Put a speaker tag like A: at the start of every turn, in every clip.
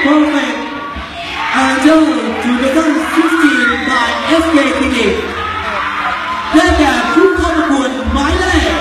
A: Perfect Angel 2016 by SK Clinic ได้แก่ผู้เข้าประกวดหมายเลข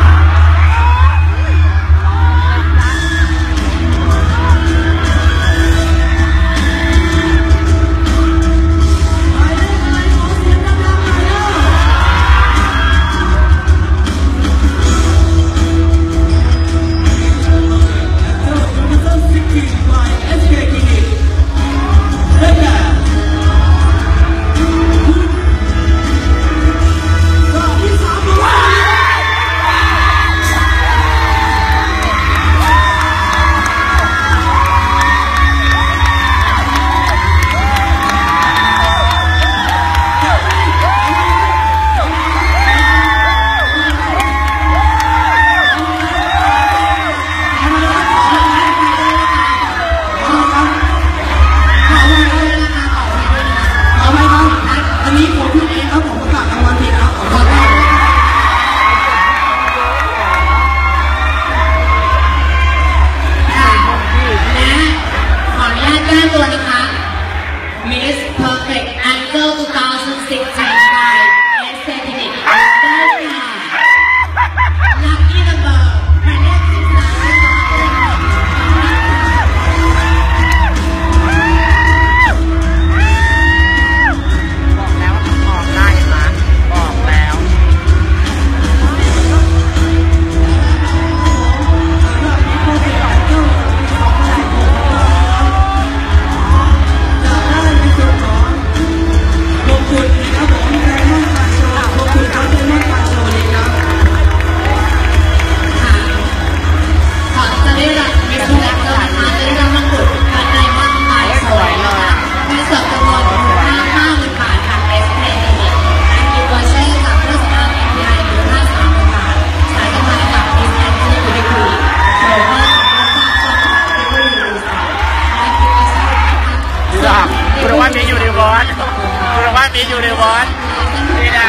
B: มีอยู่ในวอดนี่นะ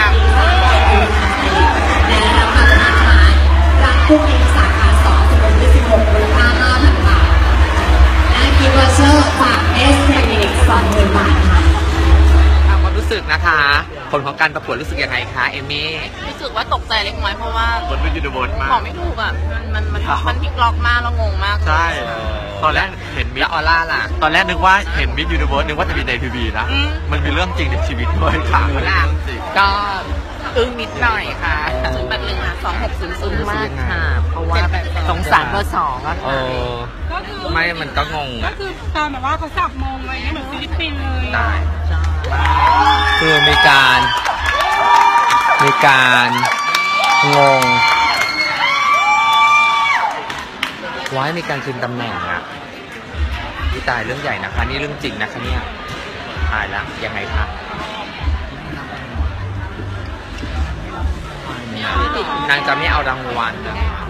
C: รับผู้เอกสาขา2จำนวน26มูลค่า 5,000 บาทและกิฟต์วอเชอร์จากเอสเทคนิค 20,000 บาทค่ะ
B: ความรู้สึกนะคะผลของการประกวดรู้สึกยังไงคะเอมี่
D: รู้สึกว่าตกใจเล็กน้อยเพราะว่า
B: บนไม่อยู่ในวอดมาก
D: บอกไม่ถูกอ่ะมันพลิกล็อกมากแล้วงงมาก
B: ใช่ตอนแรกเห็นมิสออร่าล่ะตอนแรกนึกว่าเห็นมิสยูนิเวิร์สนึกว่าจะมีในทีวีนะมันมีเรื่องจริงในชีวิตด้วยค่ะ
D: ก็อึ้งนิดหน่อยค่ะ081ค่ะ2600
B: มากค่ะเพราะว่า
D: สงสารเบอร์2อะค่ะ
B: ไม่มันก็งง
E: ก็คือตอนแบบว่าเขาสับมงอะไรเงี้ยเหมือนฟิลิปปินส์เลย
B: คือมีการงงไว้มีการคืนตำแหน่งอ่ะที่ตายเรื่องใหญ่นะคะนี่เรื่องจริงนะคะเนี่ยตายแล้วยังไงคะนางจะไม่เอารางวัล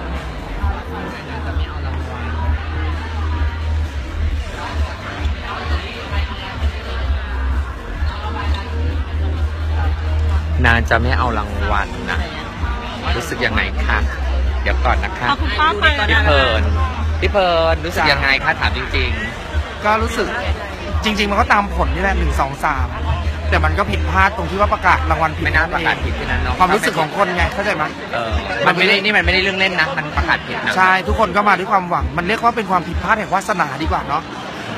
B: นางจะไม่เอารางวัลนะรู้สึกยังไงคะเดี๋ยวก่อนนะคะพี่เพลินรู้สึกยังไงคะถามจริง
F: ๆก็รู้สึกจริงๆมันก็ตามผลนี่แหละ1 2 3แต่มันก็ผิดพลาดตรงที่ว่าประกาศรางวัลผิด
B: ไม่น่าประกาศผิดแค่นั้นเนาะ
F: ความรู้สึกของคนไงเข้าใจไหม
B: มันไม่ได้นี่มันไม่ได้เรื่องเล่นนะมันประกาศผิดนะ
F: ใช่ทุกคนก็มาด้วยความหวังมันเรียกว่าเป็นความผิดพลาดแห่งวาสนาดีกว่าเนาะ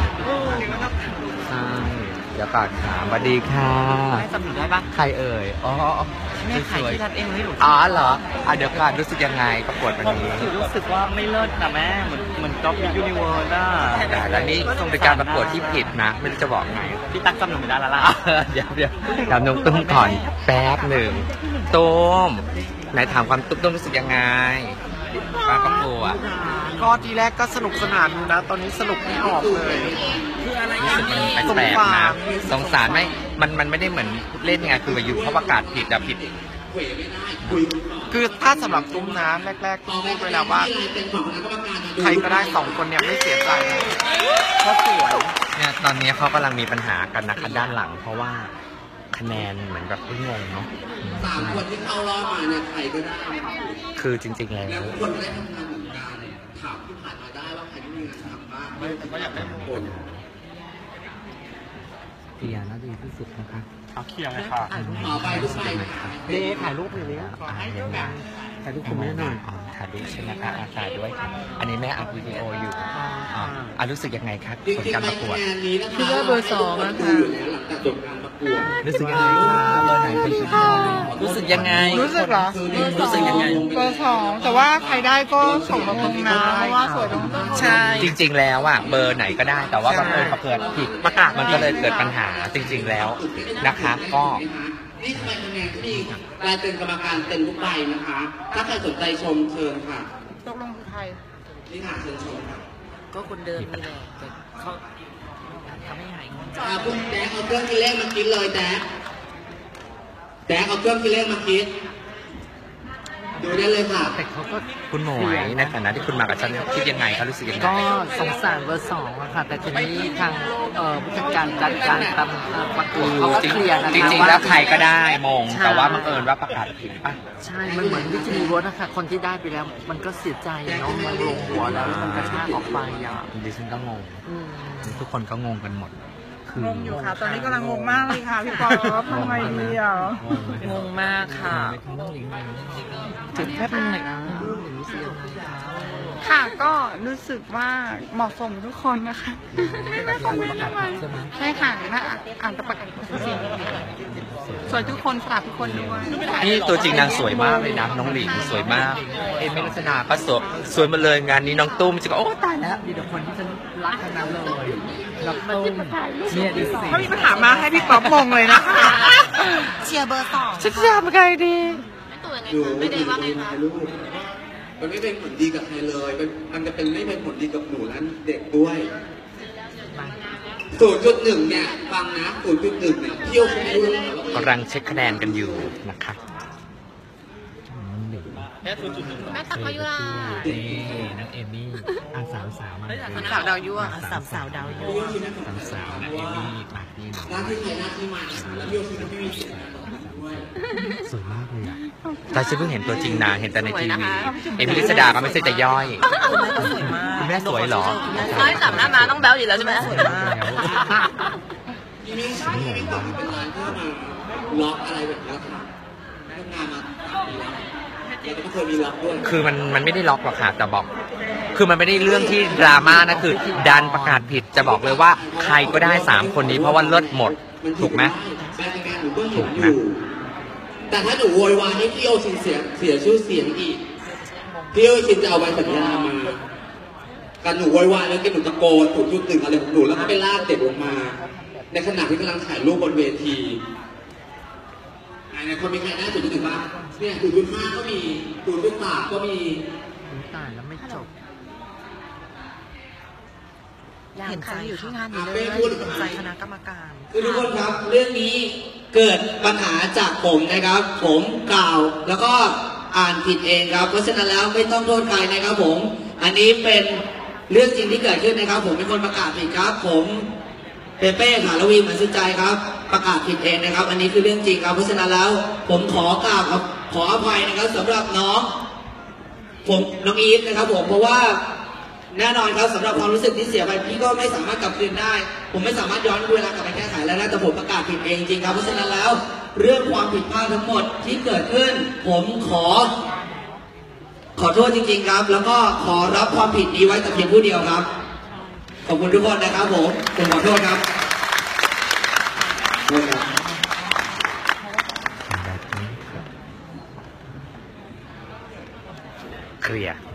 B: เดี๋ยวก่อนค่ะสวัสดีค่ะ
D: ให้จำหนูได้ปะ
B: ใครเอ่ยอ๋อ
D: แม่ขายที่ทัดเองเลยหนู
B: อ๋อเหรอเดี๋ยวก่อนรู้สึกยังไงประกวดวันนี้
D: รู้สึกว่าไม่เลิศนะแม่เหมือนก๊อปยูนิเวิร์สอ่ะ
B: แต่นี่เป็นการประกวดที่ผิดนะไม่รู้จะบอกไง
D: พี่ตั๊กจำหนูไม่ได้แล้วล่ะ
B: เดี๋ยวถามน้องตุ้มก่อนแป๊บหนึ่งตุ้มไหนถามความตุ้มรู้สึกยังไงการประกวด
F: ก็ทีแรกก็สนุกสนานอยู่นะตอนนี้สนุกไม่ออกเลย
B: รู้สึกมันแปลกนะสงสารไหมมันไม่ได้เหมือนเล่นไงคืออยู่เขาประกาศผิดแต่ผิด
F: คือถ้าสำหรับตุ้มน้ำแรกๆตุ้มพูดไว้แล้วว่าใครก็ได้2 คนเนี่ยไม่เสียใจเพราะสวย
B: เนี่ยตอนนี้เขากำลังมีปัญหากันนะคะด้านหลังเพราะว่าคะแนนเหมือนแบบงงเนาะ
A: 3 คนที่เข้ารอบมาเนี่ยใครก็ได้
B: คือจริงๆแล้ว
A: คนได้ทำงานเหมือนกันถามที่ผ่านมาได้ว่าใครไม่มีงานทำบ้างไม่แต่ก็อยากเป็นคน
B: ลียร์น่าดีที่สุดนะคะ
F: เอาเคลียร์เลยค่ะ
C: ต่อไปทุกใบ
F: เด้ถ่ายรูปอย่างนี้
B: ถ่ายรูปคุณแม่หน่อยถ่ายรูปใช่ไหมคะถ่ายด้วยค่ะอันนี้แม่อัพวิดีโออยู่รู้สึกยังไงคะผลการประกวด
D: คือว่าเบอร์สองอะค่ะ
B: รู้สึกยังไงคะเบอร์ไหนเป็นชุดทองรู้สึกยังไง
E: รู้สึกเหรอ
B: รู้สึกยังไง
E: เบอร์สองแต่ว่าใครได้ก็ส่งมาตรงนะเพราะว่าสวยตรงนั้น
D: ใช่
B: จริงๆแล้วอ่ะเบอร์ไหนก็ได้แต่ว่าบังเอิญประเกิดผิดมันก็เลยเกิดปัญหาจริงๆแล้วนะคะก็
C: นี่ทำไมคะแนนที่กลายเป็นกรรมการเต็มทุกใบนะคะ ถ้าใครสนใจชมเชิญค่ะ
E: ตกลงคือใคร
C: นี่ค่ะเชิญชมค่ะ
D: ก็คนเดิมนี่แหละแต่เขาไม่หายงง
C: คุณแจ๊คเอาเครื่องคิดเลขมาคิดเลยแจ๊คเอาเครื่องคิดเลขมาคิดดูได้เลยค่ะ
B: แต่เขาก็คุณหมวยในฐานะที่คุณมากับฉันคิดยังไงเขารู้สึกยังไง
D: ก็สงสารเบอร์สองอะค่ะ แต่ทีนี้ทางผู้จัดการจัดการตามประกวดเขาก็เคลียร์นะคะ
B: จริงๆแล้วใครก็ได้มงแต่ว่าบังเอิญว่าประกาศผิดป่ะ
D: ใช่ มันเหมือนวิธีรถนะคะคนที่ได้ไปแล้ว มันก็เสียใจเนาะมันลงหัวแล้วมันกระชากออกไปอ่ะ
B: ดิฉันก็งงทุกคนก็งงกันหมด
E: งงอยู่ค่ะ ตอนนี้กำลังงงมากเลยค่ะพี่ป๊อปทำไงดีอ่ะ
D: งงมากค่ะถึงแค่เป็นไหน
E: ค่ะก็รู้สึกว่าเหมาะสมทุกคนนะคะไม่ต้องไม่ทำไมใช่ค่ะน่าอ่านตะประกาศเสียงสวยทุกคนฝากทุกคนด้วย
B: นี่ตัวจริงนางสวยมากเลยนะน้องหลิงสวยมากเอมิลักษณะก็สวยมาเลยงานนี้น้องตุ้มจะก็โอ้ตายแล้ว
D: มีแต่คนที่ฉันรักทั้งนั้นเลยแล้วตุ้มเนี่ยดิสิ
E: ถ้ามีปัญหามาให้พี่ป๊อปมงเลยนะคะ
D: เชียร์เบอร์สอง
B: ฉันจะทำไงดี
C: ไม่ได้ว่าไงคะลูกมันไม่เป็นผลดีกับใครเลย มันจะเป็นไม่เป็นผลดีกับหนูและเด็กด้วย 0.1 เนี่ยฟังนะ 0.1 เนี่ยเที่ยวคุณรู้แล้ว
B: กำลังเช็คคะแนนกันอยู่นะคะแม่ตักมายุรานักเอมี่สาวมา
D: สาวดาวยั่วสาวดาวยั่ว
B: สาวนักเอมี่ปากนี่
C: หน้าที่ใครหน้าที่มันแล้วเที่ยวคุณไม่มีสิทธิ์ด้วย
B: สวยมากเลยอ่ะแต่ฉันเพิ่งเห็นตัวจริงนางเห็นแต่ในทีวีเอมิลิสดาก็ไม่ใช่แต่ย่อยคุณแม่สวยเหรอ
D: น้อยจับหน้ามาต้องแบ๊วอยู่แล้วใช่ไหมสวยมาก
C: ยังไม่ใช่ยังไม่กลับมาเป็นร้านเพื่อมาล็อกอะไรแบบนี้ค่ะทำงานมา3 ปีแล้วแล้วก็เคยมีล็อกด้วย
B: คือมันไม่ได้ล็อกหรอกค่ะแต่บอก คือมันไม่ได้เรื่องที่ดราม่านะคือดันประกาศผิดจะบอกเลยว่าใครก็ได้3คนนี้เพราะว่าเลิศหมดถูกไหม
C: ถูกนะแต่ถ้าหนูโวยวายให้พี่โอชินเสียชื่อเสียงอีกพี่โอชินจะเอาใบสัญญามาการหนูโวยวายแล้วก็หนูตะโกน0.1 อะไรของหนูแล้วก็ไปลากเด็กลงมาในขณะที่กำลังถ่ายรูปบนเวทีในคนมีใครได้0.1 บ้างเนี่ย0.5 ก็มี0.3 ก็มี
D: ตายแล้วไม่จบเห็นใจอยู่ที่งานนี้เลยเห็นใจคณะกรรมการ
C: ทุกคนครับเรื่องนี้เกิดปัญหาจากผมนะครับผมกล่าวแล้วก็อ่านผิดเองครับเพราะฉะนั้นแล้วไม่ต้องโทษใครนะครับผมอันนี้เป็นเรื่องจริงที่เกิดขึ้นนะครับผมเป็นคนประกาศผิดครับผมเปเป้ค่ะละวีเหมือนสุดใจครับประกาศผิดเองนะครับอันนี้คือเรื่องจริงครับเพราะฉะนั้นแล้วผมขอกล่าวครับขออภัยนะครับสำหรับน้องอีฟนะครับผมเพราะว่าแน่นอนครับสำหรับความรู้สึกที่เสียไปพี่ก็ไม่สามารถกลับคืนได้ผมไม่สามารถย้อนเวลากลับไปแก้ไขแล้วนะแต่ผมประกาศผิดเองจริงครับเพราะฉะนั้นแล้วเรื่องความผิดพลาดทั้งหมดที่เกิดขึ้นผมขอโทษจริงๆครับแล้วก็ขอรับความผิดนี้ไว้แต่เพียงผู้เดียวครับขอบคุณทุกคนนะครับผมขอโทษครับ
B: เคลียร์